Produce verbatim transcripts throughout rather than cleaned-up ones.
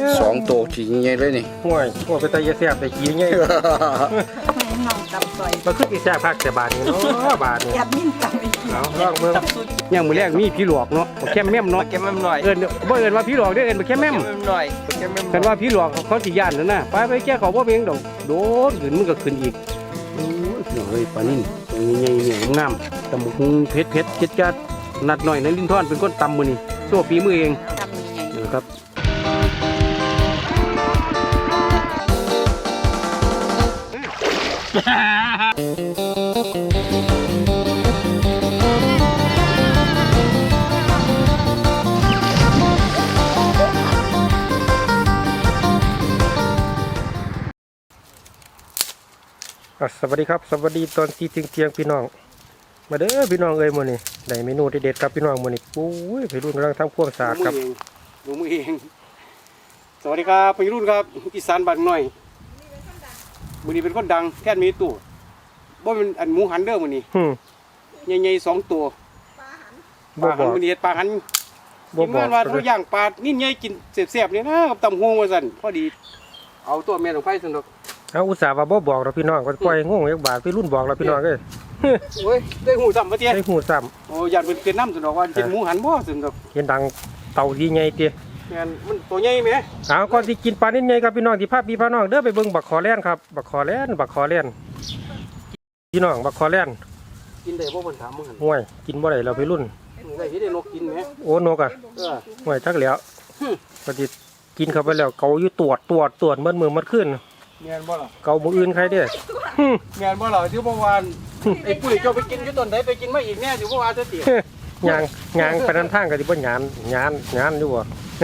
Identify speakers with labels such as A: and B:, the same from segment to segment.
A: สองตัวขี่ยังไงเลยนี่
B: ห่วยห่วยไปตายแซ่บไปขี่ยังไง
C: น้องตับซอย
B: มาขึ้นอีแซ่บพักแต่บาทนี้เนาะบาทนี้
C: ยัดนิ่มตับอีก
B: เอาลองเบิ่งยังมือแรกมีพี่หลอกเนาะแค่แม่มเนาะ
D: แค่แม่มหน่อย
B: เอิ้นบ่เอิ้นว่าพี่หลอกเด้อเอิ้นแค่แม่ม
D: หน่อยแค่แม่ม
B: กันว่าพี่หลอกเขาสิย่านนั่นน่ะไปไปแก้เขาบ่เพียงดอกโดนขึ้นมันก็ขึ้นอีกโอ้ยเฮ้ยปลานิ่นตัวใหญ่ๆเนี่ยงามตำบักหุ่งเผ็ดๆจิตจัดนัดหน่อยในลิ้นท่อนเป็นคนตำมื้อนี้โซ่ฝีมือเอง
C: ทำยังไง
B: นะครับสวัสดีครับสวัสดีตอนที่เที่ยงพี่น้องมาเด้อพี่น้องเอ้ยมื้อนี้ได้เมนูเด็ดๆครับพี่น้องมื้อนี้ปุ้ยพี่รุ่นกำลังทำความสะอาดครับดูมือเองสวัสดีครับพี่รุ่นครับอีสานบ้านน้อยมื้อนี้เป็นคนดังแท่นมีตู้บ่เป็นอันหมูหันเด้อมื้อนี้ใหญ่ๆสองตัวปลาหันมื้อนี้ปลาหันกินงานว่าเขาย่างปลานิ่มใหญ่กินแซ่บๆนี่นะกับตำหูว่าซั่นพอดีเอาตัวแม่ลงไปซั่นดอกเอาอุตส่าห์ว่าบ่บอกเราพี่น้องก็ปล่อยงงอีกบาทพี่รุ่นบอกเราพี่น้องเอ้ย
A: โอ้ยได้หูซ้ำมาเตี้ย
B: ได้หูซ้
A: ำโอ้ยันเป็นเป็นน้ำสุดดอกว่าเป็นหมูหันบ่สุดดอก
B: เห็นดังเต่าดีใหญ่เตี้ย
A: แม่นมันตัวใหญ่ไหม
B: เอาก่อนที่กินปลานิ่มใหญ่ครับพี่น้องที่ภาพพี่พี่น้องเด้อไปเบิ่งบักคอแล่นครับบักคอแล่นบักคอแล่นพี่น้องบักคอแล่น
A: กินได้บ่เพิ่นถามมึงหั่น
B: ห่วยกินบ่ได้เราพี่รุ่น
A: ได้ที่ได้นกกินไหม
B: โอ้นกอ่ะเออห่วยจักแล้วปฏิกินเข้าไปแล้วเกาอยู่ตรวจตรวจตรวจเมื่อมือมันขึ้น
A: แม่นบ่ล่ะ
B: เกามืออื่นใครเด้อ
A: แม่นบ่ล่ะที่เมื่อวานไอ้ปุ้ยเจ้าไปกินอยู่ต้นไหนไปกินมาอีกแน่อยู่เมื่อวานจะติ
B: ยางยางไปนั้นทางก็สิบ่หยานหยานหยานอยู่บ่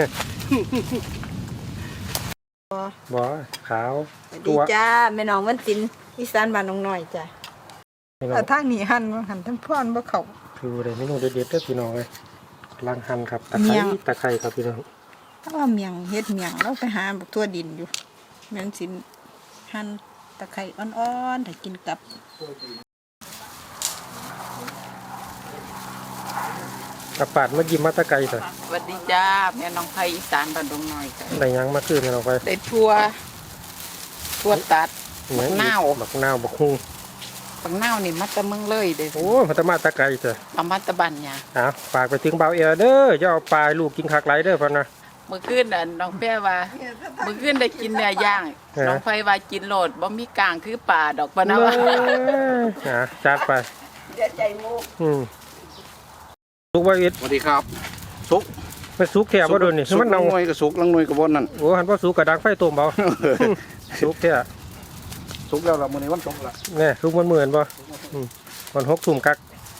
B: บ่ขาว
C: ดีจ้าแม่น้องวันศิลป์อีสานบ้านน้องน้อยจ้ะแต่ทางนี้หั่นบ่หั่นทั้งพ่อนบ่เข้า
B: คือได้เมนูเด็ดๆเด้อพี่น้องเอ้ยล้างหั่นครับตะไคร้ตะไคร้ครับพี่น้อง
C: ถ้าว่าเมียงเฮ็ดเมียงเราไปหาบักทั่วดินอยู่แม่นสิหั่นตะไคร้อ่อนๆถ้ากินกับ
B: กระปาดเมื่อกี้มาตะไคร้จ้ะ
E: สวัสดีจ้าแม่น้องไผอีสานบ้านดงน้อยจ้ะ
B: ได้ยังมาคืนกันออกไป
E: ได้ทั่วทั่วตัดบักนาว
B: บักนาวบักฮู้
E: บักนาวนี่มาแตะเมืองเลยเด้อ
B: โอ้พัตมาตะไคร้จ้ะ
E: เอามาแตะบ้านหยัง
B: อ้าวฝากไปถึงเบาเอเด้ออย่าเอาปลาลูกกินคักไหลเด้อพ่นนะ
E: เมื่อคืนน่ะน้องแป้ว่าเมื่อคืนได้กินเนื้อย่างน้องไผว่ากินโลดบ่มีกลางคือป่าดอกปะนะว่า
B: อ่ะจัดไป
C: เสียใจมุก
B: อืมสุกบ่อิด
A: สวัสดีครับสุก
B: มันสุกแท้บ่โดนนี่
A: มันเน่าหน่วยก็สุกลังหน่วยก็บ่นั่น
B: โอ้หันบ่สุกก็ดังไฟต้มเบาสุกแท้
A: สุกแล้วล่ะมื้อนี้วันศุกร์ล่ะ
B: แน่สุกมันเหมือนบ่อืมก่อนหกทุ่มกัก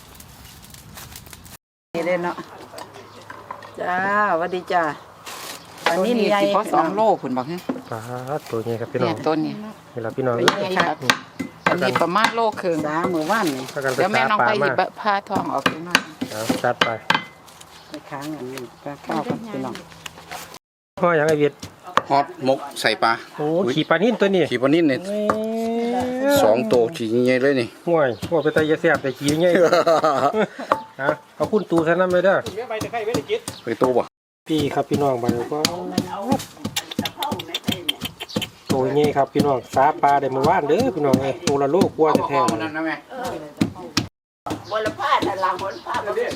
E: นี่เด้เนาะจ้าสวัสดีจ้าอันนี้นี่สิพอสองโลพุ่นบ่ฮะ
B: ปลาตัวนี้ครับพี่น้อง
E: ต้นนี้
B: นี่ล่ะพี่น้อง
E: อันนี้ประมาณโลครึ่งสามื้อวานนี่เดี๋ยวแม่น้องไปหยิบผ้าทองออกไปหน่อย
B: เอาจัดไป
E: ไปค้างอันนี้ปลาข้าวกับพี่น้อง
B: ห่อหยังไอ้เวียด
A: ฮอตมกใส่ปลา
B: โอ้ขี่ปลานิ่นตัวนี้
A: ขี่ปลานิ่นนี่สองตัวขี่ยังไงเลยนี่
B: ห่วยห่วยไปตายแซ่บแต่ขี่ยังไงฮะเอาคุณตูซะนำเลยเด้อ
A: ไปตะไคร้ไว้ได้กินไปตูบ่
B: พี่ครับพี่น้องบัดนี้ก็โอ้ยนี่ครับพี่น้องสาปลาได้มื้อวานเด้อพี่น้องเอ้ยตัวละโลกว่าแท้ๆนั่นนะแม่
C: บ่ละพาดละหนพาดเด้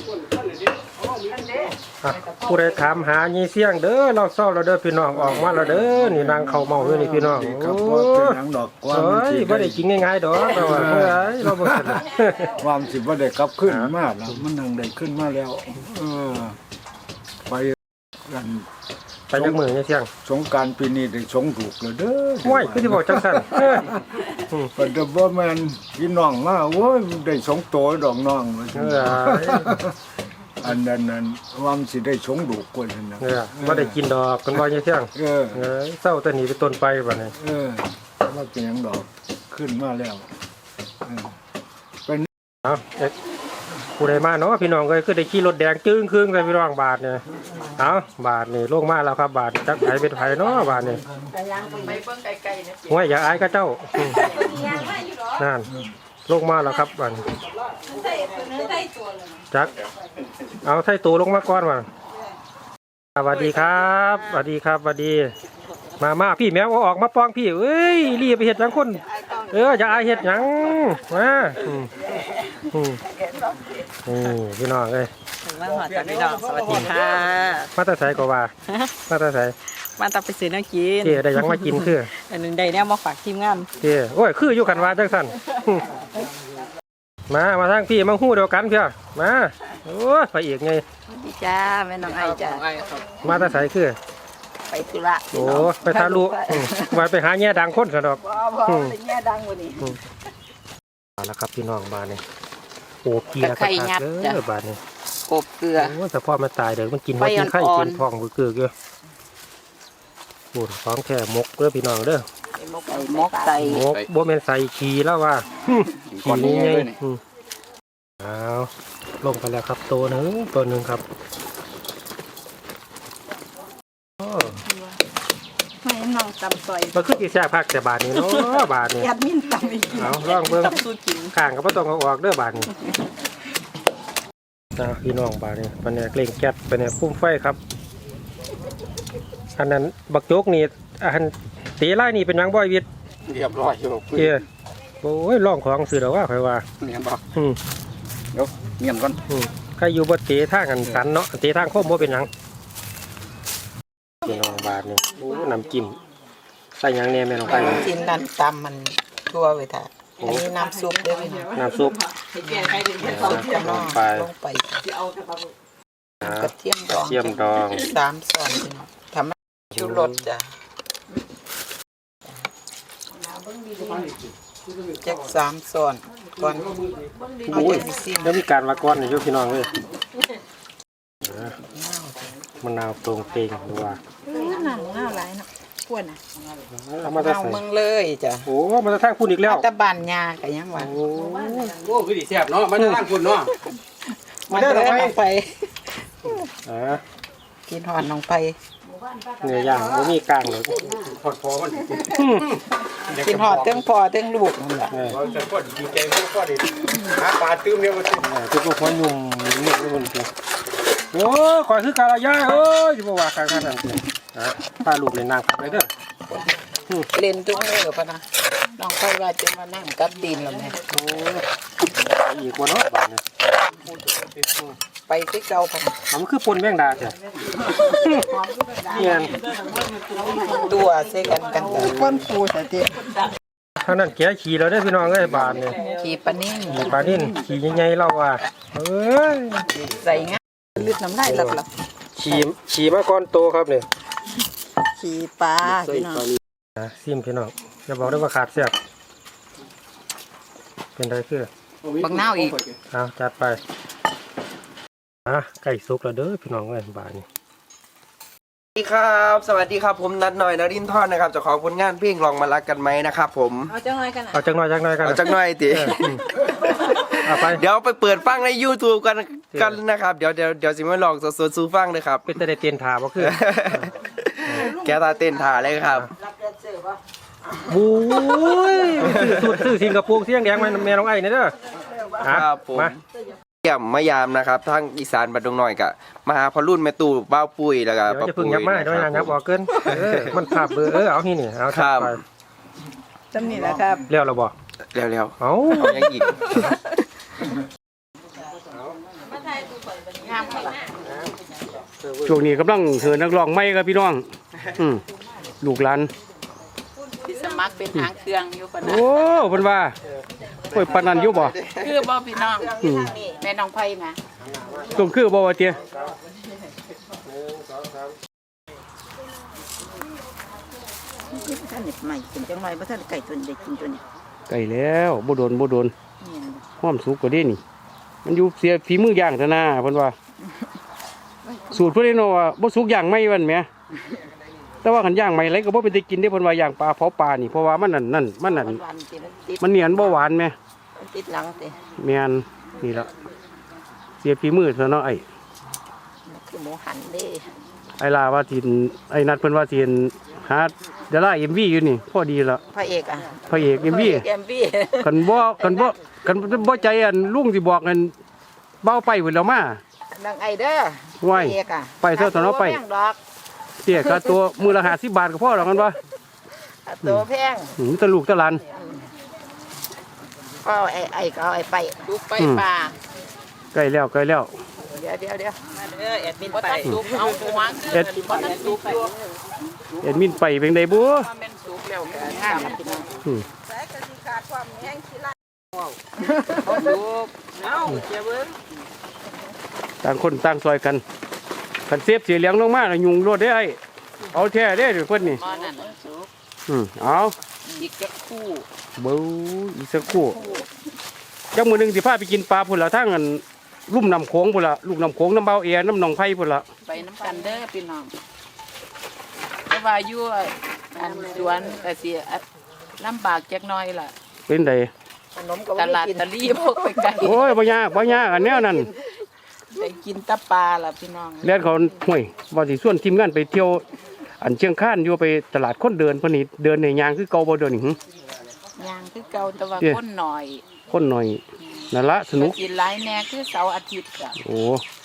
B: อผู้ใดถามหายีเสียงเด้อเราเศร้าเราเด้อพี่น้องออกมาแล้วเด้อนี่นางเข้าเมาอยู่นี่พี่น้องโอ้ยบ่ได้กินง่ายๆดอกเราว่าเฮ้ยเราบ่สน
D: ความสิบ่ได้กลับขึ้นมาแล้วมันนั่งได้ขึ้นมาแล้วเออไปกัน
B: ไปจักมื้อยีเสียง
D: สงกรานต์ปีนี้ได้สงถูกแล้วเด้อ
B: โอ้ยคือสิบอกจังซั่นเออ
D: อืมเพิ่นบ่แม่นพี่น้องมาโอ้ยได้สองโตดอกน้องเอออันนั้นนั้นความสิได้สงดูกกว่านั่นน่ะ
B: เออบ่ได้กินดอกเพิ่นว่ายีเสียง
D: เออ
B: เออเศร้าแต่นี้เป็นต้นไปบัดนี้
D: เออว่าเป็นหยังดอกขึ้นมาแล้วเออเป็น
B: เอ้าผู้ใดมาเนาะพี่น้องก็คือได้ขี่รถแดงจึ้งครึ่งใส่พี่น้องบาทเนี่ยเอาบาทนี่ลงมาแล้วครับบาทจักไผเป็นไผเนาะบาทนี่
E: ไปเบิ่งไกลๆนะ
B: โอ้ยอย่าอายก็เจ้านั่นลงมาแล้วครับบาทจักเอาไถ่ตัวลงมาก่อนว่ะสวัสดีครับสวัสดีครับสวัสดีมามาพี่แมวเอาออกมาป้องพี่เอ้ยรีบไปเห็ดหยังคนเออจะอายเห็ดหยังมาอืมอืมนี่พี่น้องเอ้ย
C: มาหอดจากพี่น้องสวัสดีค่ะ
B: มาแตาใส่ก็ว่ามาแตาใส่
C: มาตับไปซื้อน้ำกิน
B: เจ๊ได้หยังมากินคือ
C: อันหนึ่งได้แนวมาฝากทีมงาน
B: เจ๊โอ้ยคืออยู่กันว่าจังสั่นมามาทางพี่มาหู้เดียวกันเพียมาโอ้ยไปอีกไง
C: สวัสดีจ้าแม่น้องไอจ้า
B: มาแตาใส่คือ
C: ไปธุระ
B: โอ้ไปทาลุอืมมาไปหาแง่ดังคนสะดอก
C: บ่บ่เป็นแง่ดังกว่านี้
B: เอาละครับพี่น้องบ้านนี่โอ้เกียร์กระทัดเด้อบ้านนี่
E: กบเกลือ
B: โอ้แต่พ่อมาตายเดี๋ยวมันกินหัวกินไข่กินทองบือเกลือเยอะโอ้ของแค่มกเด้อพี่น้องเด้อ
E: ใส่มกใส่
B: มกบ่แม่นใส่ขี้แล้วว่าขี้นี้ไงอืมเอาลงไปแล้วครับตัวหนึ่งตัวหนึ่งครับโอ้
C: ไม่น้องตำซอย
B: มันคือจีแซ่บพักแต่บาทนี้เนาะบาทนี้
C: แอดมินตำอีก
B: เอาลองเบิ่ง
C: ตำสู้กิน
B: ข้างก็บ่ต้องเอาออกเด้อบาทนี้นะพี่น้องบาทนี้ปันเนี่ยเกล่งแก๊สปันเนี่ยพุ่มไฟครับอันนั้นบักโจกนี่อันตีไล่นี่เป็นหยังบ่อยวิทย์
A: เรียบร้อยอยู่
B: เอ้ยโอ้ยร้องของสื่อแล้วว่าค่อยว่า
A: เนียนบ่
B: อืม
A: เดี๋ยวเนียนก่อน
B: อืมใครอยู่บ่เตะทางกันสันเนาะเตะทางโค้งบ่เป็นหยังพี่น้องบาทนี่โอ้น้ำจิ้มใส่หยังแหน่แม่น้องไป
E: กินนั่นตำมันทั่วไปท่าอันนี้น้ำซุปเด้อพี่น้อง
B: น้ำซุป
E: จะลง
B: ไป
E: ลงไป
B: อ่าก
E: ระเทียมดอง
B: เทียมดอง
E: สามส่วนพี่น้องทำให้ชูรสจ้ะจักสามส่วนก่อนเอา
B: โอ้ย
E: จังสิ
B: แล้วมีการมาก้อนนี่อยู่พี่น้องเลยอ่ามะนาวตรงเตงดูว่า
C: หนังหน้าหลายเนาะกวนอ่ะ
B: เอามาจะ
E: เอา
B: ใส่
E: มึงเลยจ้ะ
B: โอ้มาจะทางคุณอีกแล้ว
E: ตะบานยาก็ยังว่า
B: โอ้
A: โอ้คือดีแซ่บเนาะมันจะร่างคุณเนาะ
E: มาเด้อน้องไป
B: อ่า
E: กินหอนน้องไป
B: เนื้อย่างไม่มีกลางเลย
A: พอดพอมัน
E: กินหอดเทั้งพอเทั้งลูกนั่นแหละ
B: เออ
A: เราจะพอดีใจพวกพอดีหาปลาตื้มเนี่ยมันสิ
B: เออทุกพวกยุ่มนี่ทุกคนคือโอ้ขอซื้อกาลายายเอ้ยจะบอกว่าการขนาดนั้นอ่ะพาลูกเล่นน้ำไปเด้อ
E: เล่นทุกมื้อพะนะน้องไปว่าจะมานั่งกับดินแล้วแม่
B: โอ้ไปอีกวันเนาะบ้านเนี่ย
E: ไปที่เก่าพะนะ
B: เอามันคือปนแมงดาใช่เนียน
E: ตัวใส่กันกันกัน
C: ก้นปูแต่เตี้ย
B: ท่านั้นแกขี่เราได้อพี่น้องเอ้ยบานเนี่ย
E: ขี่ปลานิ่ง
B: ขี่ปลานิ่นขี่ใหญ่ๆเราว่าเอ้ย
E: ใส่งาลึกน้ำลายหลับหลับ
B: ขี่ขี่มาก่อนโตครับเนี่ย
C: ขี่ปลาพี่น้อง
B: อ่ะซิมพี่น้องอย่าบอกได้ว่าขาดเสียบเป็นไรคือ
E: บักนาวอีก
B: เอาจัดไปอ่ะไก่สุกแล้วเด้อพี่น้องเอ้ยบานนี่
F: สวัสดีครับสวัสดีครับผมนัดหน่อยนรินทร์นะครับเจ้าของผลงานเพลงลองมารักกันไหมนะครับผม
C: เอาจังไรกันอ่ะ
B: เอาจักหน่อยจักหน่อยกัน
F: เอาจักหน่อยติ
B: เอออืมเอาไป
F: เดี๋ยวไปเปิดฟังใน YouTube กันกันนะครับเดี๋ยวเดี๋ยวเดี๋ยวสิมาลองสดๆสู้ฟังเลยครับ
B: เป็นแต่ได้เตียนถาบ่คือ
F: แกตาเต้นถ่าเลยครับ
B: บู๊ยซื้อสูตรซื้อสิงคโปร์เสียงแดงมาแม่น้องไอ้นี่เด้ออ่ะ
F: ครับผม
B: มา
F: เยี่ยมมายามนะครับทั้งอีสานบัดดงหน่อยกะมาหาพอรุ่นแม่ตู่บ้าวปุ้ยแล้วก็
B: เดี๋ยว
F: ป้า
B: จะพึ่ง
F: ปุ้ย
B: ยับมาด้วยนะยับออกเกินเออมันภาพเบอร์เออเอาที่นี่เอา
F: ครับ
B: ไป
C: จำนี่แหละครับ
B: เลี้ยวเราบอก
F: เร็ว
B: เอา
F: ๆเอายังอีก
A: ช่วงนี้กำลังเหินนักร้องใหม่ครับพี่น้องอืมลูกหลาน
E: ที่สมัครเป็นหางเครื่องอยู่ปะนะ
A: โอ้เพิ่นว่าโอ้ยปานนั้นอยู่บ่
E: คือบ่พี่น้อง
A: อืม
E: แม่น้องไผ่มา
A: ต้องคือบ่ว่าเตี้ย
C: ท่านเน็บใหม่เป็นจังไรเพราะท่านไก่ตัวเด็กกินตัวนี้
A: ไก่แล้วบ่โดนบ่โดน
C: เนี่ย
A: ห้อมสุกก็ได้นี่ มันอยู่เสียฝีมือย่างซะนะเพิ่นว่า สูตรเพิ่นเนาะว่าบ่สุกย่างไม่วันแหมแต่ว่าคันย่างไม่ไรก็บ่เป็นได้กินได้เพิ่นว่าย่างปลาเผาปลานี่เพราะว่ามันนั่นนั่นมันนั่น
C: วันๆติดติด
A: มันเนียนบ่หวานแหม
C: ติดหลังติ
A: แม่นนี่ล่ะเสียฝีมือซะเนาะไอ้
C: คือหมูหันเด้
A: ไอ้ลาว่าสินไอ้นัดเพิ่นว่าสินหาเดารา เอ็ม วี อยู่นี่พอดีละ
C: พระเอกอ่ะ
A: พระเอก เอ็ม วี
C: เอ็มวี
A: คันบ่คันบ่คันบ่ใจอันลุงสิบอกกันเบ้าไปพุ่นแล้วมา
C: นางไอเด้อ
A: ไหว้
C: พระเอกอ่ะ
A: ไปเถอะตอนเอาไป
C: แม่งดอก
A: เตี้ยค่าตัวมือละห้าสิบบาทก็พอแล้วกันวะ
G: ตัวแพง
A: อืมตะลูกตะหลาน
G: ก็ไอ้ไอ้ก็เอาไอ้ไป
E: ลูกไปป่า
A: ใกล้แล้วใกล้แล้ว
G: เดี๋ยวเดี๋ยวเดี๋ยวมาเด้อแอดมิน
E: บ่
G: ไป
E: ทันสุกเอาหัว
A: เอ็ด
E: บ่ทันสุกอยู่
A: เอ็ดมินไปเป็นไดบัว
E: ว่าแม่นสุกแล้วก็งามพี่น้อง
A: อืม
C: แต่ก็สิขาดความแห้งขี้ละ
E: บ่สุกเอาเจ้าเบิ่ง
A: ต่างคนต่างซอยกันคันเซฟเสียเหลียงลงมาแล้วยุงรถได้ไอ้เอาแท้ได้เดี๋ยวเพิ่นนี่
E: หม้อนั่นสุก
A: อืมเอา
E: อีกจักคู่
A: เบ้ออีกสักครู่จักมื้อหนึงสิพาไปกินปลาพุ่นละทางอันลุ่มน้ำโขงพุ่นละลูกน้ำโขงน้ำเบาเอียน้ำหนองไผ่พุ่นละ
E: ไปน้ำกันเด้อพี่น้องแต่ว่าอยู่อันสวนก็สิลำบากจักหน่อยล่ะ
A: เป็นได
G: ขนมก็
E: ต
G: บ่
E: ลาด
G: ได้กิน
E: ตะลีพวกไปไกล
A: โอ้ยบ่ยากบ่ยากอันแนวนั้น
E: ได้กินแตะปลาล่ะพี่น้อง
A: เลียนเขาห่วยว่าสิส่วนทีมงานไปเที่ยวอันเชียงคานอยู่ไปตลาดคนเดินเพิ่นนี่เดินในยางคือเก่าบ่เดินนี่หึ
E: ย่างคือเก่าแต่ว่า
A: เอ๊ะ
E: คนหน่อย
A: คนหน่อยนั่นละสนุก
E: ก็กินหลายแหน่คือเสาร์อาทิตย์จ้ะ
A: โอ้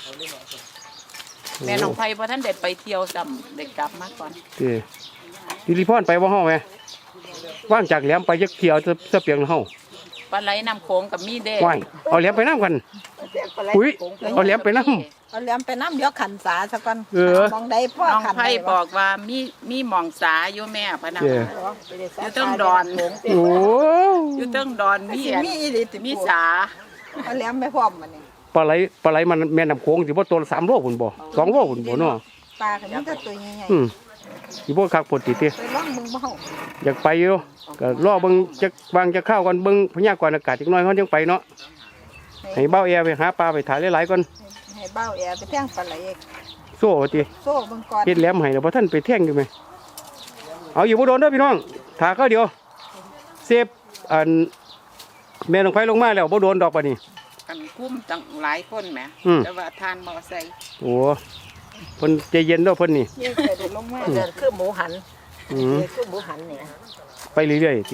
E: แม่น้องไผบ่ทันได้ไปเที่ยวซ้ำได้กลับมาก่อน
A: เด้ดิริพรไปบ่เฮาแหมว่างจากแหลมไปจักเที่ยวจะจะเปียงเฮา
E: ปลาไหลน้ำโขงกับมีเด้
A: ว้ายเอาแหลมไปนํกันอุ้ยเอาแหลมไปนํ
C: เอาเหลี่ยมไปน้ำเดี๋ยวขันสาซะก่อน
A: เออ
C: มองได้พ่อ
E: น้อง
C: ขัน
E: ไผ
C: ได้
E: บอกว่ามีมีหมองสาอยู่แม่พะนะ
A: เด้
E: อยู่เทิงดอน
A: โอ้
E: อยู่เทิงดอนมี
C: สิ
E: อัน
C: มีอีหลีติ
E: มีสา
C: เอาเหลี่ยมไปพร้อมมันนี่
A: ปลาไหลปลาไหลมันแม่น้ำโขงสิบ่ตัวละสามโลพุ่นบ่สองโลพุ่นบ่เนาะ
C: ปลาก็มีแต่ตัวใหญ่
A: อืมสิบ่คักปกติติ
C: ๆไปล่องมึงบ่เฮา
A: อยากไปอยู่ก็รอเบิ่งจักวางจักข้าวก่อนเบิ่งพยากรณ์อากาศจักหน่อยเฮาจังไปเนาะให้เบ้าแอร์ไปหาปลาไปถ่ายหลายๆก่อน
C: ให้เบ้าแอร์ไปแท่งปลาไหล
A: โซ่ว่าติ
C: โซ่เบิ่งก่อน
A: เฮ็ดแหลมให้แล้วบ่ทันไปแท่งอยู่ไหมเอาอยู่บ่โดนเด้อพี่น้องถ้าเขาเดียวเซฟอันแม่ลงไฟลงมาแล้วบ่โดนดอกปานนี้
E: กันคุ้มตั้งหลายคนแหม
A: อืม
E: แต่ว่าทานมอไซค์
A: โอ้เพิ่นใจเย็นเด้อเพิ่นนี่
C: เยี่ยใส่เด็ดลงมา
G: เดินคือหมูหัน
A: อืม
G: นี่คือหมูหันเนี่ย
A: ไปเรื่อยๆติ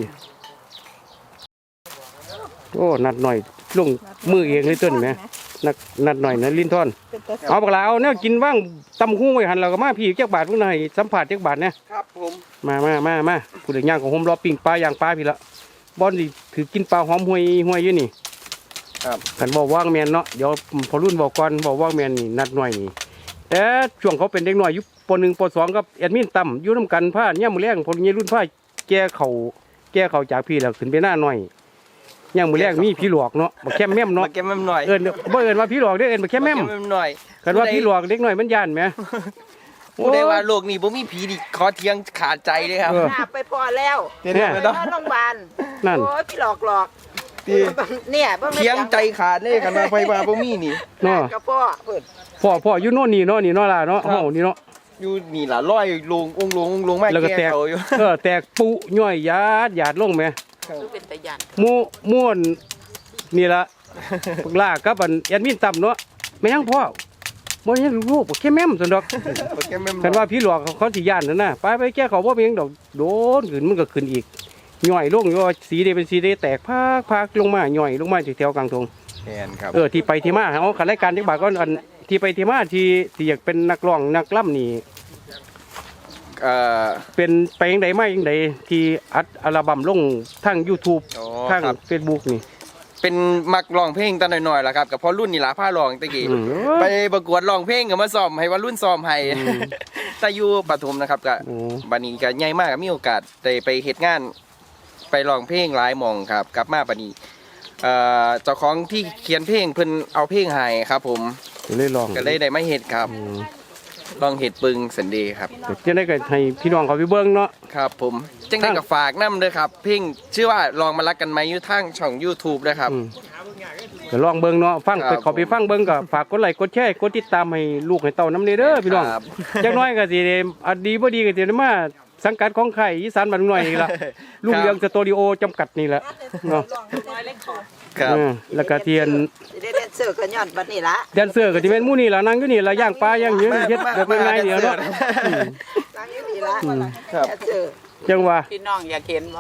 A: โอ้นัดหน่อยลงมือเองเลยต้นแหมนัดนัดหน่อยนะลิ้นท่อน
C: เป็นตัว
A: เอาบักลาเอาแนวกินว่างตำหู้ไว้หันแล้วก็มาพี่จักบาทพุ่นน่ะให้สัมผัสจักบาทเนี่ย
F: ครับผม
A: มามามามาผู้ใดย่างของผมรอปิ้งปลาย่างปลาพี่ละบอนสิถือกินปลาหอมห่วยห่วยอยู่นี่
F: ครับ
A: กันบอกว่างแมนเนาะเดี๋ยวพอรุ่นบอกก่อนบอกว่างแมนนี่นัดหน่อยนี่แต่ช่วงเขาเป็นเด็กน้อยอยู่ปหนึ่งปสองกับแอดมินต่ำอยู่น้ำกันผ้าเนี่ยามมือแรงพอรุ่นรุ่นผ้าแก่เขาแก่เขาจากพี่แล้วขึ้นไปหน้าหน่อยย่างมือแรงมีพี่หลอกเนาะบักแคมแม่ม
F: มา
A: เนาะ
F: เก็บแม่มหน่อย
A: เอิญบ่เอิญว่าพี่หลอกเด้อเอิญบักแคมแม่ม
F: าเก็บแม่มหน่อย
A: กันว่าพี่หลอกเด็กน้อยมันย่านไหม
F: ผู้ใดว่าโลกนี้บ่มีผีนี่ขอเทียงขาดใจเลยครับ
A: เออ
G: หน้าไปพอแล้ว
F: เห็นไหม
G: ไป
F: เนาะ
G: โรงพยาบาล
A: นั่น
G: โอ้ยพี่หลอกหลอก
F: ที่
G: เนี่ยบ่แม่น
F: เทียงใจขาดเลยกันว่าไปว่าบ่มีนี่
A: เนาะ
G: กระพ่อเพิ่น
A: พ่อพ่ออยู่โน่นนี่เนาะนี่เนาะล่ะเนาะ
F: ครับ
A: เฮานี่เนาะ
F: อยู่นี่ล่ะร้อยลงองค์ลงองค์ลงไม่
A: แล้วก็
F: แก้
A: แตก
F: เขาอยู่
A: เออแตกปุย่อยหยาดหยาดลงไหม
E: คือเป็นตะยัน
A: หมูม่วนนี่ละพวกลากับอันแอดมินต่ำเนาะไม่ยังพ่อบ่ยังลูกบ่แค่แม่มซั่นดอก
F: มาเก็บแม่มห
A: คัน
F: น่อ
A: ว่าย พี่หลอกเขาเขาสิย่านนั่นน่ะไปไปแก้เขาบ่เป็นหยังดอกโดนขึ้นมันก็ขึ้นอีกย่อยลงอยู่ว่าสีใดเป็นสีใดแตกพากพากลงมาย่อยลงมาจากแถวกลางทง
F: แม่นครับ
A: เออที่ไปที่มาเอาคันรายการจักบาทก็อันที่ไปที่มาที่ที่อยากเป็นนักร้องนักล่ำนี่
F: เอ่อ
A: เป็นไปจังใดมาจังใดที่อัดอัลบั้มลงทาง YouTube
F: อ๋อ
A: ทาง
F: ครับ
A: Facebook นี่
F: เป็นมักร้องเพลงตอนน้อยๆล่ะครับกับพ่อรุ่นนี่ล่ะพาร้องตะกี้
A: อืม
F: ไปประกวดร้องเพลงก็มาซ้อมให้ว่ารุ่นซ้อมให้
A: อืม
F: แต่อยู่ปฐมนะครับก็
A: โอ้
F: บัดนี้ก็ใหญ่มากก็มีโอกาสได้ไปเฮ็ดงาน ไปร้องเพลงหลายหม่องครับ กลับมาบัดนี้เอ่อเจ้าของที่เขียนเพลงเพิ่นเอาเพลงให้ครับ ผม
A: ก็เลยลอง
F: ก็เลยได้มาเฮ็ดครับ
A: อืม
F: ลองเฮ็ดปึงสันเดย์ครับ
A: ก็จะได้ก็ให้พี่น้องเขาไปเบิ่งเนาะ
F: ครับ ผมจังได้ก็ฝากนํเด้อครับ เพลงชื่อว่าลองมารักกันไหมอยู่ทางช่อง YouTube นะครับ
A: อืมก็ลองเบิ่งเนาะฟัง
F: ครับ
A: ไปขอไปฟังเบิ่งก็ฝากกดไลค์กดแชร์กดติดตามให้ลูกให้เต้านำเด้อพี่น้อง
F: ครับ
A: จักหน้อยก็สิได้อันดีบ่ดีก็สิได้มาสังกัดของค่ายอีสานบ้านหน่อยนี่ล่ะลุงเรืองสตูดิโอจำกัดนี่แหละเนาะ
F: ครับ
A: เออแล้วก็เทียน
G: สิได้แดนเซอร์ก็ย้อนบัดนี้ละ
A: แดนเซอร์ก็สิเป็นหมู่นี่ล่ะนั่งอยู่นี่ล่ะย่างปลาย่างหยังเฮ็ดแบบง่ายๆเดียวเนาะอืม
G: ตั้งอยู่นี่ละ
F: ครับ
G: แดนเซอร์
A: จังว่า
E: พี่น้องอยากเห็นบ่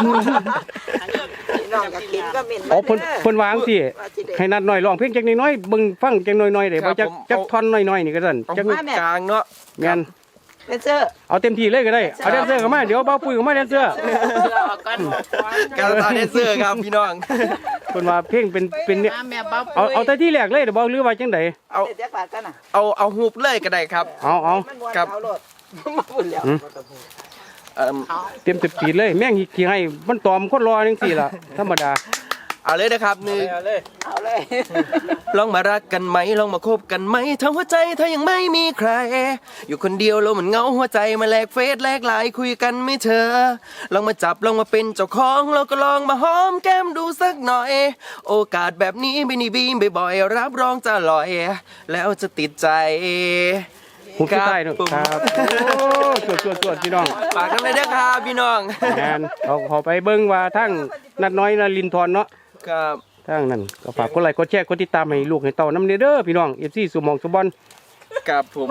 G: พี่น้องก็กินก็เหม็น
A: อ๋อเพิ่นเพิ่นวาจังซี่ให้นัดหน่อยร้องเพลงจักน้อยๆเบิ่งฟังจักน้อยๆได้บ่จักจักท่อนน้อยๆนี่ก็ซั่น
F: เอา
A: จัก
F: หูกลางเนาะ
A: แม่น
G: เแดนเซอร์
A: เอาเต็มที่เลยก็ได้เอาแดนเซอร์เข้ามาเดี๋ยวเบาปุ้ยเข้ามาแดนเซอร์
E: เสื้อออกก่อน
F: การตาแดนเซอร์ครับพี่น้อง
A: เพิ่นว่าเพลงเป็นเป็นเนี่ย
E: มาแม่บ๊อบ
A: เอาเอาแต่ที่แรกเลยเดี๋ยวบอกหรือว่าจังได
F: เอา
G: เดี๋ยวบาทกันน่ะ
F: เอาเอาฮูบเลยก็ได้ครับ
A: เอาเอา
G: มันวน
F: ครับ
G: เอาโลดมาบุญแล้ว
F: เอิ่ม
A: เต็มปีดเลยแม่งขี้ให้มันตอมคนรอจังซี่ล่ะธรรมดา
F: เอาเลยนะครับหนึ่ง
G: เอาเลย
F: ลองมารักกันไหมลองมาคบกันไหมทั้งหัวใจเธอยังไม่มีใคร อยู่คนเดียวแล้วมันเหงาหัวใจมาแลกเฟซแลกไลน์คุยกันไม่เธอ ลองมาจับลองมาเป็นเจ้าของเราก็ลองมาหอมแก้มดูสักหน่อย โอกาสแบบนี้ไม่นีบีมบ่อยๆรับรองจะลอย แล้วจะติดใจ
A: ผมสุดท้ายเนาะครับโอ้สวดสวดสวดพี่น้อง
F: ฝากกันเลยนะครับพี่น้อง
A: งานเขาเขาไปเบิ่งว่าทั้งนัดน้อยนลินทรเนาะ
F: ครับ
A: ทั้งนั้นก็ฝากกดไลค์กดแชร์กดติดตามให้ลูกให้เต้านำเด้อพี่น้อง เอฟ ซี สุหมองสุบอล
F: กับผม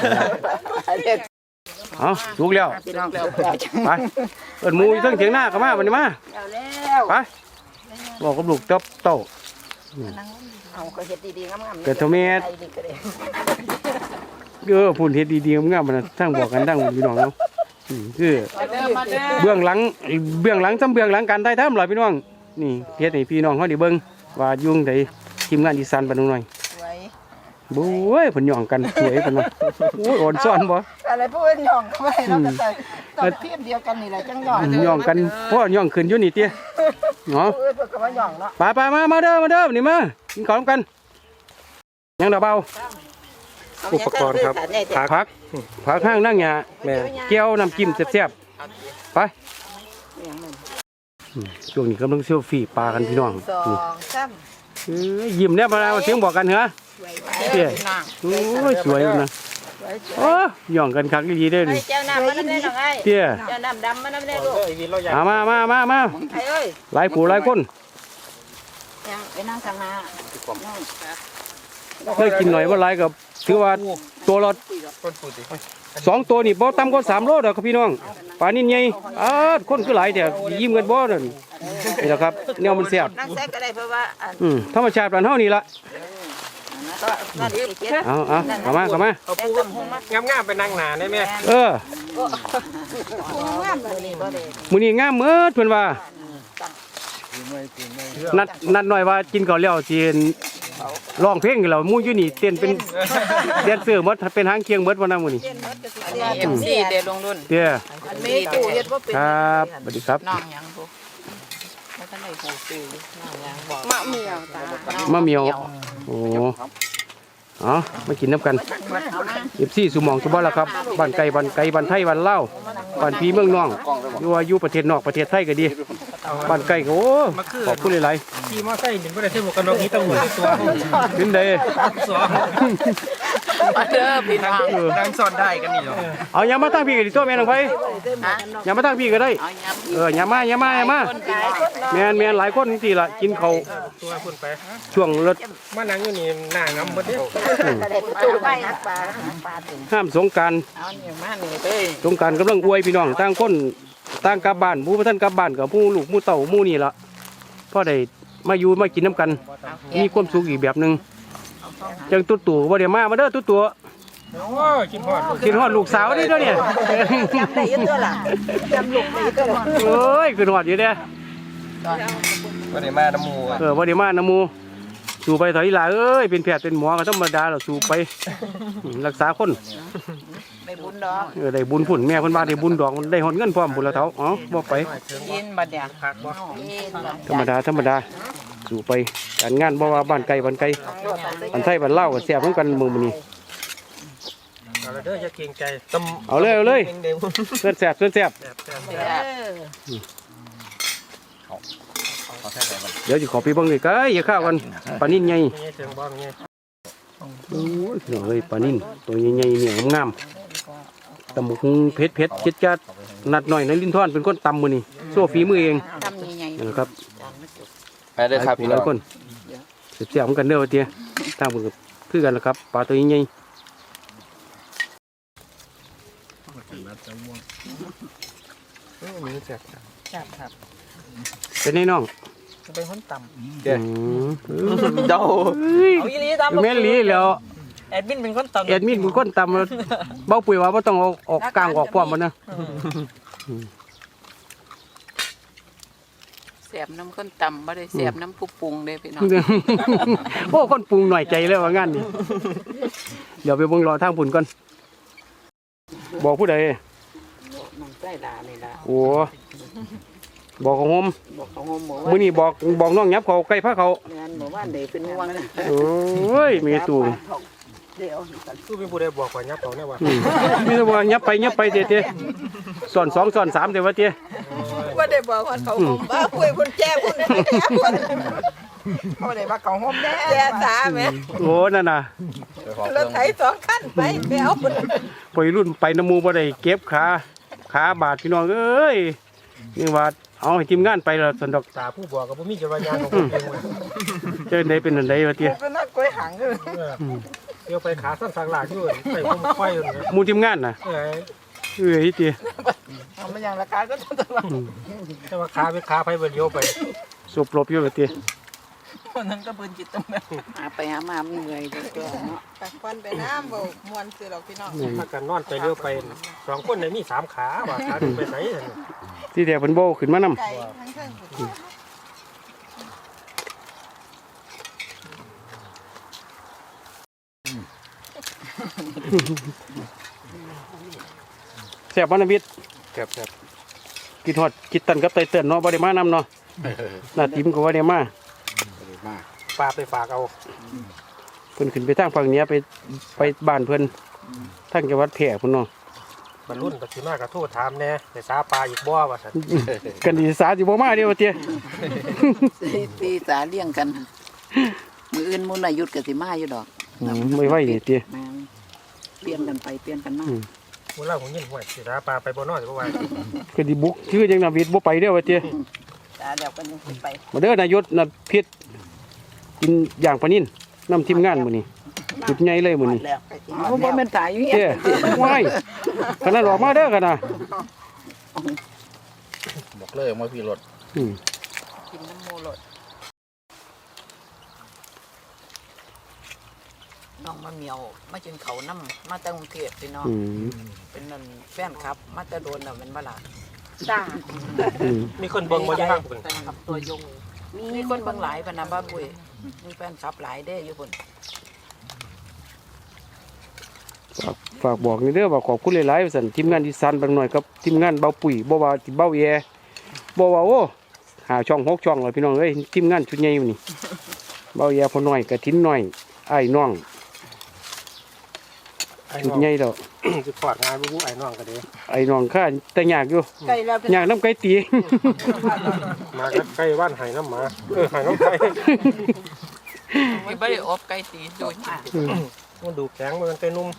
A: เอาลูกแล้ว
G: พี่น้อง
A: ไปเอิ้นหมูอยู่เทั้งเถียงหน้าก็มาบัดนี้มา
G: เอาแล้ว
A: ไปบอกกับลูกเต้าเต้า
G: เอาก็เฮ็ดดีๆงามๆ
A: เกิดเท่าแม่
G: ใจดีก็ได้
A: เออพูดเฮ็ดดีๆงามๆมันทั้งบอกกันทั้งพี่น้องเนาะอืมคือ
E: มาเด้อมาเด้อ
A: เบื้องหลังเบื้องหลังซ้ำเบื้องหลังการถ่ายทำล่ะพี่น้องนี่เฮ็ดให้พี่น้องเฮาได้เบิ่งว่ายุ่งใดทีมงานอีสานบ้านหน่อย
G: สวย
A: โอ้ยเพิ่นย่องกันสวยเพิ่นว่าโอ้ยอ่อนซ้อนบ่
G: อะไรพวกเอิ้นหย่องเข้าไปเราก็ใส่ต้องเทียมเดียวกันนี่แหละจังหย่อง
A: ย่องกันเพราะย่องขึ้นอยู่นี่เตี้ยเนาะ
G: เอ้ยเพิ่นก็ว่าหย่องเนาะ
A: ไปไปมามาเด้อมาเด้อนี่มากินข้าวกันยังดอกเบา
B: อุปกรณ์ครับ
A: ผักผักผักห้างนั่งหยา
B: แม่
A: แก้วน้ำจิ้มแซ่บๆไปอืมช่วงนี้กำลังเซลฟี่ปลากันพี่น้อง
G: สอ
A: นี่
G: งสาม
A: เอ้ยยิ้มเนี่ยมาแล้วเสียงบอกกันเหรอเตี้ยโอ้ยสวยนะโอ้ยย่องกันคักดีๆเด้อ
G: ไอ้
A: นี่
G: เจ้าน้ำมันน้ำแน่น้องไอ้
A: เตี้ย
G: เจ้าน้ำดำมันน้ำแน่ลูก
A: เอามามามามา
G: ไอ้เอ้ย
A: หลายผู้หลายคน
G: ยังไปนั่งทางหน้า
A: เคยกินหน่อยว่าหลายกับถือว่าตัวละสองตัวนี่บ่ต่ำกว่าสามโลดอกครับพี่น้องปลานิ่นใหญ่อ้าคนคือหลายแต่ยิ้มกันบ่นั่นนี่แหละครับแนวมันแซ่บ
G: นั่งแซกก็ได้เพราะว่าอัน
A: อืมธรรมชาติบ้านเฮานี่ล่ะ
G: ก็นั่นอีกเจ็ด
A: เอาเอาเข้ามาเข้ามา
G: เอาปูกับหงมาง
B: ามๆไปนั่งหนาได้ไหม
A: เออ
G: งามเลยนี่ก็ได้
A: มื้อนี้งามเมิดเพิ่นว่านัดนัดหน่อยว่ากินข้าวแล้วสิร้องเพลงกันแล้วหมู่อยู่นี่เต้นเป็นแดนเซอร์หมดเป็นหางเคียงหมดวันนั้นมื้อนี้
E: เอ็มซีเดลงรุ่น
A: เด้อ
G: อันนี้ตู้เฮ็ดบ่เป็น
A: ครับสวัสดีครับ
E: น้องยังพวกแล้วก็ได้ผูกซื้อน้องยังบอก
G: มะเมียวตา
A: มะเมียวโอ้อ๋อมากินน้ำกันเอฟซีสุหมองสุบอลละครับบ้านไก่บ้านไก่บ้านไทยบ้านเล่าวบ้านพี่เมืองน้องอยู่ว่าอยู่ประเทศนอกประเทศไทยก็ดีบ้านไก่ก็โอ้ขอบคุณหลาย
B: ขี่มอไซค์นี่บ่ได้ใช้หมวกกันน็อกนี้ต้องหมวกตัว
A: ๆเป็นได
B: สอง
E: มาเด้อพี่น้อง
F: นั่งซ่อนได้กันนี่เหรอ
A: เอาอย่ามาตั้งพี่ก็ดีตัวแม่นองไปอย่ามาตั้งพี่ก็ได้
E: เอาย้ำ
A: เอออย่ามาอย่ามาอย่ามา
E: คนพี่น้อง
A: แม่นแม่นหลายคนจริงๆล่ะกินเขาว
B: ตัวคุณไป
A: ช่วงรถ
B: มานั่งอยู่นี่หน้างำหมดเด้อ
G: ตู้ไปหักปลาหักปลาถึง
A: ห้ามสงกราร
E: เอาเนี่ยมานี่เด้อ
A: สงกรารกำลังอวยพี่น้องต่างคนต่างกลับบ้านผู้บ่ท่านกลับบ้านกับผู้ลูกผู้เต่าผู้นี่ล่ะพอได้มาอยู่มากินน้ำกัน มีความสุขอีกแบบหนึ่งจังตุ๊ตู่บ่ได้มามาเด้อตุ๊ตู่
B: โอ้ยกินฮอด
A: กินฮอดลูกสาวนี่เด้อเนี่ย
G: จำได้อยังตัวล่ะจำลูกได้อยังตัวล่ะ
A: เอ้ยกินฮอดอยู่เด้อ
F: ก็ได้มาน้ำมูก
A: เออบ่ได้มานะหมู่สู่ไปถอยหลาเอ้ยเป็นแพทย์เป็นหมอก็ธรรมดาแล้วสู่ไปอืมรักษาคน
E: ได้บุญดอก
A: เออได้บุญพุ่นแม่เพิ่นว่าได้บุญดอกได้ฮอดเงินพร้อมพุ่นละเฒ่าอ๋อบ่ไป
E: ยินบัดเนี่ย
B: ผักบ่
E: ยินบัด
A: ธรรมดาธรรมดาสู่ไปการงานบ่ว่าบ้านไกลบ้านไกลบ้านไทยบ้านลาวก็แซ่บเหมือนกันมื้อนี้
B: เอาละเด้ออย่าเกรงใจ
A: เอาเลยเอาเลยเพื่อนแซ่บเพื่อนแซ่บ
B: แซ่บแซ่บ
E: เด้อ
A: เดี๋ยวจะขอไปเบิ่งเลยก็อย่าข้าวกันปลานิ่นใหญ่
B: มีเสียงบ่มี
A: โอ้ยพี่น้องเอ้ยปลานิ่นตัวใหญ่ๆเนี่ยงามๆตำบักหุ่งเผ็ดเผ็ดๆจัดๆนัดหน่อยในลิ้นท่อนเป็นคนตำมือนี่โซ่ฝีมือเอง
E: ทำใหญ่
A: นะครับ
F: ไปเลยครับพี่
A: ห
F: น้อ
A: ลาง ยคนเสียบๆเหมือนกันเด้อว่าเตี้ยตามมือกับคือกันละครับปลาตัวใหญ่
B: มีแซ่บ
E: ๆจับครับ
A: ๆเป็นไงน้อง
E: เป็นคนต่
A: อืม
F: เจ้า
A: เฮ้ย
G: เอาอีหลีตาม
A: แม่นหลีแล้ว
G: ไอ้แอดมินเป็นคนตำ
A: แอดมินเป็นคนตำเบาปุ๋ยว่าบ่ต้องเอาออกกลางออกพร้อมมันนะ
E: แสบน้ำข้นตำบ่ได้แสบน้ำผู้ปรุงเด้พี่น้อง
A: โอ้คนปรุงหน่อยใจเลยว่างานนี้เดี๋ยวไปเบิ่งรอทางพุ่นก่อนบอกผู้ใด
E: น้องใส่ลานี่ล่ะ
A: โอ้บอกของผม
E: บอกเขาโฮมบอก
A: มื้อนี้บอกบอกน้องยับเขาใกล้พาเขา
E: งานบอกว่าเด็กเป็นห่วง
A: โอ้ยมีตู่
E: เดี๋ยว
B: คือมีผู้ใดบอกว่ายับเขาเนี่ยว่า
A: อืมมีแต่ว่ายับไปยับไปเตะๆสอนสองสอนสามเด้อว่าเตะ
G: ว่าได้บอกว่าเขาห่มบ้าคุยพุ่นแจ้พุ่นแจ้พุ่นเขาได้ว่าเขาห่มแจ้แจ้สาแม่
A: โอ้นั่นน่ะ
G: รถไถสองคันไปไปเอาพุ่น
A: ไปรุ่นไปน้ำหมูบ่ได้เก็บขาขาบาดพี่น้องเอ้ยนี่ว่าเอาให้ทีมงานไปแล้วสันดอก
B: ตาผู้บอกกับผู้มีจะว่ายางของผมเองว่า
A: เจอได้เป็นอันใดวะเตี้ย
G: เป็นนักกล้วยหางเลย
B: เดี๋ยวไปขาสั้นสางหลากอยู่ใส่ผมไฟอยู่นะ
A: หมูทีมงานน่ะ
B: เอ้ย
A: เอ้ยเตี้ย
G: เอามาอย่างราคาก็ต้องว่า
B: แต่ว่าขาไปขาไปเลี้ยวไป
A: สบหลบอยู่วะเตี้ย
G: คนนั้นก็เบิ่นจิตตรงนั้น
E: หาไปหามามันเหนื่อยเด้อตัวเนาะ
G: ตักควันไปน้ำบ่มวนสิหรอกพี่น้อง
B: ถ้ากันนอนไปเลี้ยวไปสองคนเนี่ยมีสามขาว่าขาหนึ่งไปไหน
A: ที่เดียวเพิ่นโบขึ้นมานำ
G: ไก่ทั้งเทิงพุ่น
A: แซ่บบ่นะวิทย์
B: ครับครับ
A: กินฮอดกินตันกับไตเติ้นเนาะบ่ได้มานำเนาะหน้าติมก็บ่ได้มา
B: ปลาไปฝากเอา
A: เพิ่นขึ้นไปทางฝั่งเหนือไปไปบ้านเพิ่นทางจังหวัดแพร่พุ่นเนาะ
B: บรรลุนปัจจุบันกระทู้ถามแน่ในสาปลาอีกบ่ว่าสัน
A: กันดีสาสิบ่มาเด้อวะเตี้ย
E: ตีตีสาเลี้ยงกันมืออื่นมุนอายุทธก็สิมาอยู่ดอก
A: อืมไม่ไหวนี่เตี้ย
E: แม่นเปลี่ยนกันไปเปลี่ยนกันมา
B: เมื่อเราผมยินห่วยสิสาปลาไปบ่นอนจะบ่ไหว
A: ก็ดิบุกชื่อจังนาวิทย์บ่ไปเด้อวะเตี้ย
G: ตาเดี๋ยวกันยังสิไป
A: มาเด้อนายศน่ะพิษกินอย่างปลานิ่นนำทีมงานมื้อนี้จุดใหญ่เลยมื้อนี้
G: แล้วไปกิน
E: เอาบ่แม่นตายอยู่เฮี
A: เตี้ย
E: ย
A: ว้ายขนาดออกมาเด้อกันนะ
H: บอกเลยว่าพี่รถ
A: อืม
E: กินน้ำโมโลดน้องมาเหมียวมากินเขาวน้ำมาแต่กรุงเทพพี่น้อง
A: อืม
E: เป็นนั่นแฟนครับ มาแต่โดนน่ะเป็นบ่ล่ะจ้า
A: อืม
B: มีคนเบิ่งมาอยู่ข้างพุ่น
E: แฟนคลับตัวยงมีคนเบิ่งหลายปานนะบ้าปุ้ยมีแฟนคลับหลายเด้อยู่พุ่น
A: ฝากฝากบอกนี่เด้อว่าขอบคุณหลายๆว่าซั่นทีมงานอีสานบางหน่อยกับทีมงานเบาปุ๋ยบ่ว่าที่เบาแยบ่ว่าโอ้หาช่องหกช่องเลยพี่น้องเอ้ยทีมงานชุดใหญ่มื้อนี้เบาแยพอน้อยกะทินน้อยอ้ายน้อง
B: ไอ้
A: ชุด
B: น้อง
A: ใหญ่แล้ว
B: สิปอดงานบ่ไอ้น้องก็เด้
A: ไอ้น้องข้าแต่ยากอยู่
G: ไก่แล้ว
A: ยากน้ำไก่ตี
B: มาใกล้บ้านไห้น้ำหมาเออไห้น้ำไก่
E: ไม่ได้อบไก่ตีดูจ้า
B: มันดูแข็งมันไก่นุ่ม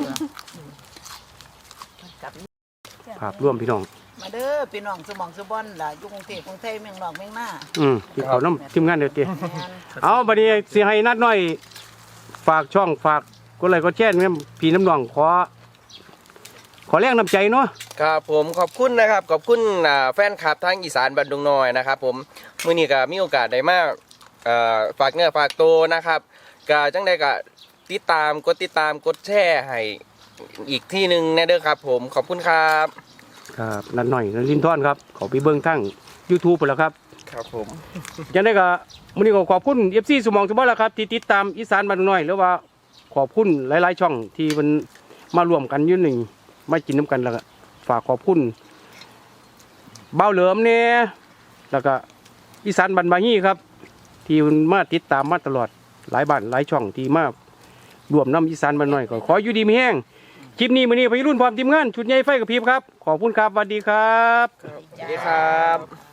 A: ภาพร่วมพี่น้อง
E: มาเด้อพี่น้องสมองสบอนล่ะอยู่กรุงเทพกรุงไทยเมืองนอกเมืองหน้า
A: อืมที่เขาน้ำทีมงานเดียวเตี้ย
E: แม่น
A: เอาบัดนี้สิให้นัดหน่อย ฝากช่องฝากกดไลค์กดแชร์แม่พี่น้ำน้องขอ ขอแรงน้ำใจเนาะ
F: ครับผมขอบคุณนะครับขอบคุณอ่าแฟนคลับทางอีสานบันดุงน้อยนะครับผมมื้อนี้ก็มีโอกาสได้มาเอ่อฝากเนื้อฝากตัวนะครับก็จังได๋ก็ติดตามกดติดตามกดแชร์ให้อีกที่หนึงแน่เด้อครับผมขอบคุณครับ
A: ครับนัดหน่อยนัดลินทอนครับขอไปเบิ่งทั้ง YouTube ไปแล้วครับ
F: ครับผม
A: จังได้ก็มื้อนี้ก็ขอบคุณ เอฟ ซี สมองสมบัติแล้วครับที่ติดตามอีสานบ้านน้อยหรือว่าขอบคุณหลายๆช่องที่มันมารวมกันอยู่นี่มากินน้ำกันแล้วก็ฝากขอบคุณเบ้าเหลิมเนี่ยแล้วก็อีสานบ้านบาฮีครับ ที่มันมาติดตามมาตลอดหลายบ้านหลายช่องที่มารวมน้ำอีสานบ้านน้อยก็ขออยู่ดีมีแห้งคลิปนี้มื้อนี้พี่รุ่นพร้อมทีมงานชุดใหญ่ไฟกับพริบครับขอบคุณครับสวัสดีครับ
F: สวัสดีครับ